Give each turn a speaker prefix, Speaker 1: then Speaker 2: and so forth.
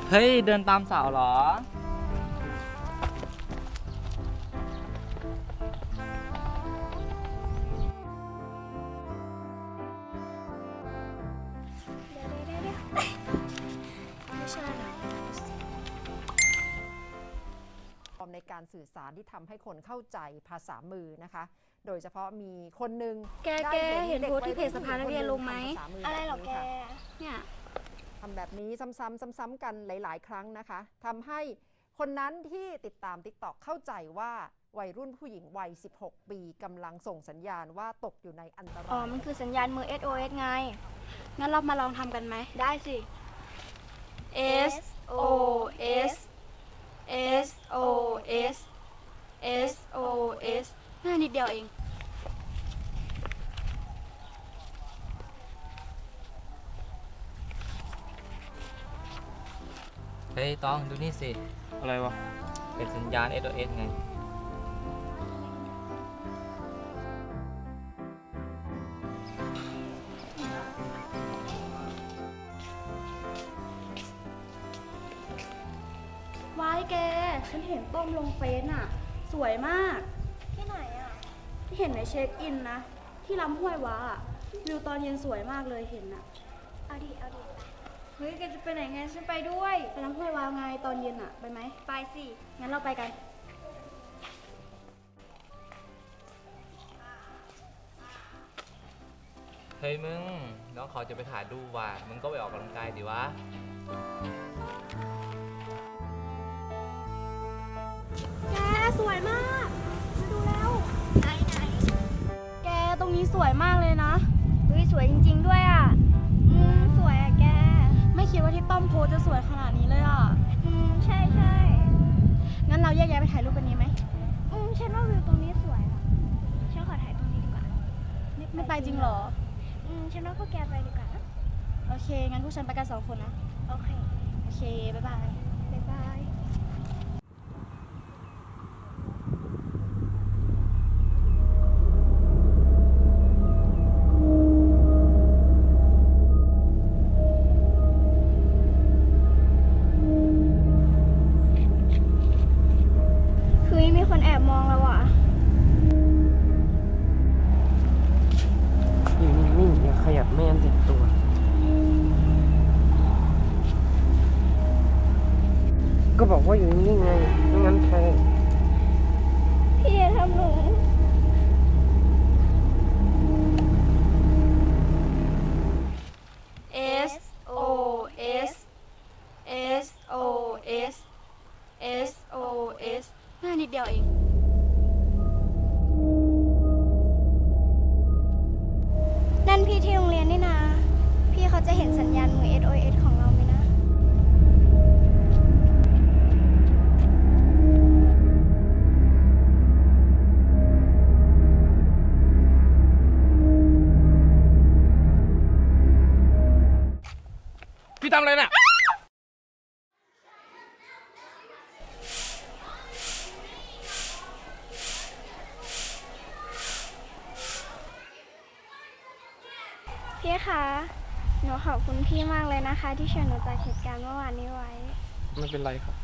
Speaker 1: เฮ้ยเดินตามสาวเหรอ
Speaker 2: ในการสื่อสารที่ทำให้คนเข้าใจภาษามือนะคะ โดยเฉพาะมีคนหนึ่ง
Speaker 3: แกเห็นโพสที่เพจสภานักเรียนลงไหม
Speaker 2: อะไรหรอแก
Speaker 3: เนี่ย
Speaker 2: ทำแบบนี้ซ้ำๆกันหลายๆครั้งนะคะทำให้คนนั้นที่ติดตาม TikTok เข้าใจว่าวัยรุ่นผู้หญิงวัย16 ปีกำลังส่งสัญญาณว่าตกอยู่ในอันตราย
Speaker 3: มันคือสัญญาณมือ SOS ไงงั้นเรามาลองทำกันไหมได้สิ SOS SOS SOS ง่ายนิดเดียวเอง
Speaker 1: เฮ้ยต้องดูนี่สิ
Speaker 4: อะไรวะ
Speaker 1: เป็นสัญญาณ SOS ไง
Speaker 3: ว้ายแกฉันเห็นต้มลงเฟซน่ะสวยมาก
Speaker 5: ที่ไหนอ่ะ
Speaker 3: ที่เห็นในเช็คอินนะที่ลำห้วยว้าวิวตอนเย็นสวยมากเลยเห็นน่ะ
Speaker 5: เอาดิ
Speaker 3: เฮ้ยแกจะไปไหนไงฉันไปด้วยไปลำห้วยว้าไงตอนเย็นอ่ะไปไหมไปสิงั้นเราไปกัน
Speaker 1: เฮ้ยมึงน้องเขาจะไปถ่ายรูปว่ะมึงก็ไปออกกำลังกายดิวะ
Speaker 3: แกสวยมากมาดูแล้ว
Speaker 5: ไหน
Speaker 3: แกตรงนี้สวยมากเลยนะ
Speaker 5: เฮ้ยสวยจริงๆด้วยอ่ะสวยอ่ะแก
Speaker 3: ไม่คิดว่าที่ต้อมโพจะสวยขนาดนี้เลยอ่ะ
Speaker 5: ใช่
Speaker 3: งั้นเราแยกย้ายไปถ่ายรูปกันนี้ไหม
Speaker 5: ฉันว่าวิวตรงนี้สวยอ่ะฉันขอถ่ายตรงนี้ดีกว่า
Speaker 3: ไม่ไปจริงเหรอ
Speaker 5: ฉันว่าพวกแกไปดีกว่านะ
Speaker 3: โอเคงั้นพวกฉันไปกัน2 คนนะ
Speaker 5: โอเค
Speaker 3: บ๊ายบาย
Speaker 5: เฮ้ยมีคนแอบมองเราอ่ะ
Speaker 4: อยู่นิ่งๆอย่าขยับไม่งั้นเจ็บตัว ก็บอกว่าอยู่นิ่งๆไงไม่งั้นแพ้
Speaker 5: พี่อย่าทำหนู
Speaker 3: SOS SOS SOS ง่ายนิดเดียวเอง
Speaker 5: นั่นพี่ที่โรงเรียนนี่นะพี่เขาจะเห็นสัญญาณมือ SOS ของเราไหมนะ
Speaker 4: พี่ทำอะไรน่ะ
Speaker 5: พี่คะหนูขอบคุณพี่มากเลยนะคะที่ช่วยหนูจากเหตุการณ์เมื่อวานนี้ไว้
Speaker 4: ไม่เป็นไรครับ